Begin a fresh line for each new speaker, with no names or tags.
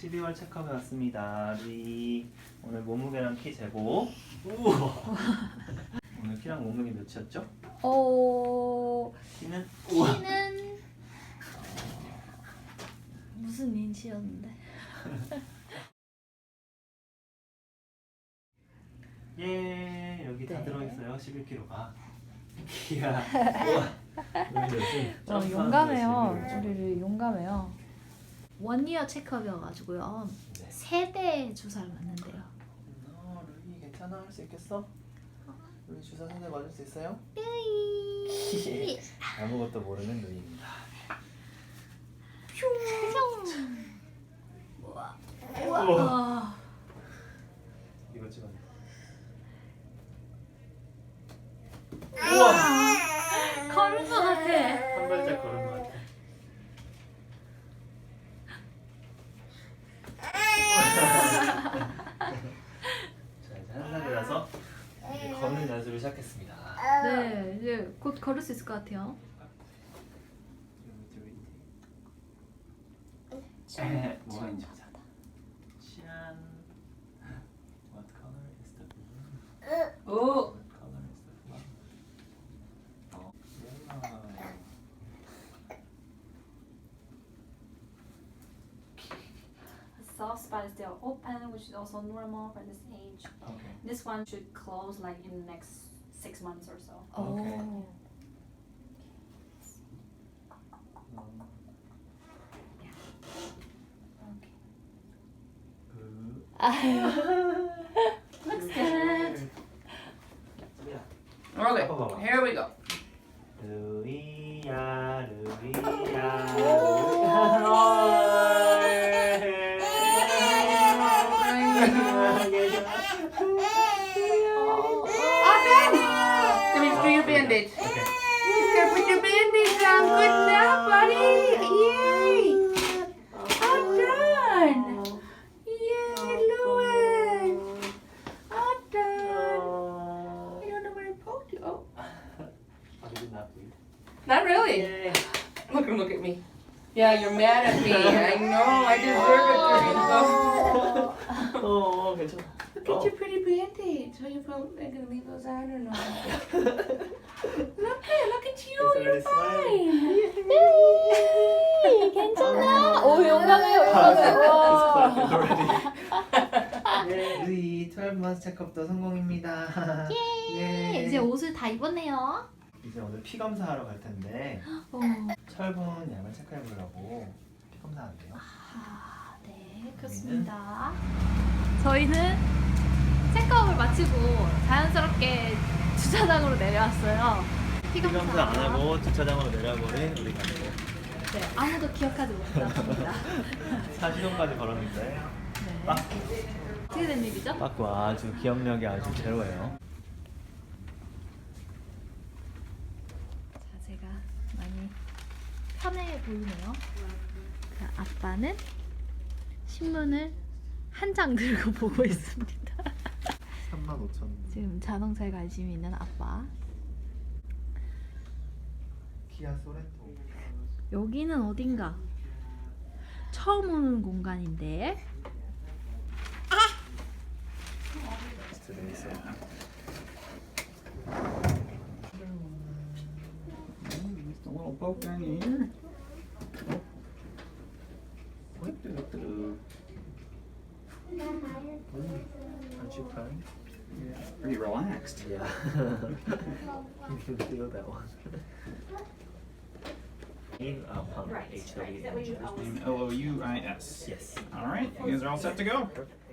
12월 체크업에 왔습니다. 루이 오늘 몸무게랑 키 재고. 우와. 오늘 키랑 몸무게 몇이었죠? 키는
키는 무슨 인치였는데?
예 여기 다
네.
들어있어요. 11kg가. 이야. 우와.
용감해요. 우리를 용감해요. 원이어 체크업이어가지고요.
네.
3대 주사를 맞는데요.
루이 괜찮아? 할 수 있겠어? 루이 주사 3대 맞을 수 있어요?
루이.
아무것도 모르는 루이입니다.
우와.
우와.
우와.
이거 찍어.
걸은 것 같아.
한 발짝 걸은 것 같아. 자 이제 한 살이라서 이제 걷는 연습을 시작했습니다.
네, 이제 곧 걸을 수 있을 것 같아요.
뭐가 있는지 보자. 짠. What color is the balloon?
오!
What color is the flower?
Soft spot is still open, which is also normal for this age.
Okay.
This one should close like in the next 6 months or so.
Okay.
오.
Looks good.
Okay,
봐봐.
here we go.
루이야 루이야
Let me do your bandage.
Okay.
You gotta put your bandage on. Good job, buddy. Yay! All done. Yay, Louis. All done. I don't know where I poked you. Oh,
I did not bleed.
not really.
Yay.
Look at me. Yeah, you're mad at me. I know. I deserve it, Teresa.
괜찮아.
Look at your pretty bandage. Are you gonna leave those on or not? Look at you.
It's
You're
already
fine.
괜찮아. 오, 용감해요, 용감해요. 와.
예, 루이 12 months 체크업도 성공입니다. 예.
이제 옷을 다 입었네요.
이제 오늘 피 검사하러 갈 텐데
어.
철분 양을 체크해 보려고 피 검사한대요.
아, 네, 그렇습니다. 저희는 체크업을 마치고 자연스럽게 주차장으로 내려왔어요.
피 검사 안 하고 주차장으로 내려버린 우리 가족.
네, 아무도 기억하지 못합니다.
40분까지 걸었는데
네.
빠
어떻게 된 일이죠?
빠꾸 아주 기억력이 아주 제로예요.
자세가 많이 편해 보이네요. 자, 아빠는 신문을 한 장 들고 보고 있습니다.
35,000.
지금 자동차에 관심이 있는 아빠.
키아 소렌토.
여기는 어딘가? 처음 오는 공간인데.
스트레스.
Just a little poke down your ear.
Aren't you crying?
Pretty relaxed.
Yeah. You can feel that one. Pump HW.
Name Louis.
Yes.
All right, you guys are all set to go.
Perfect.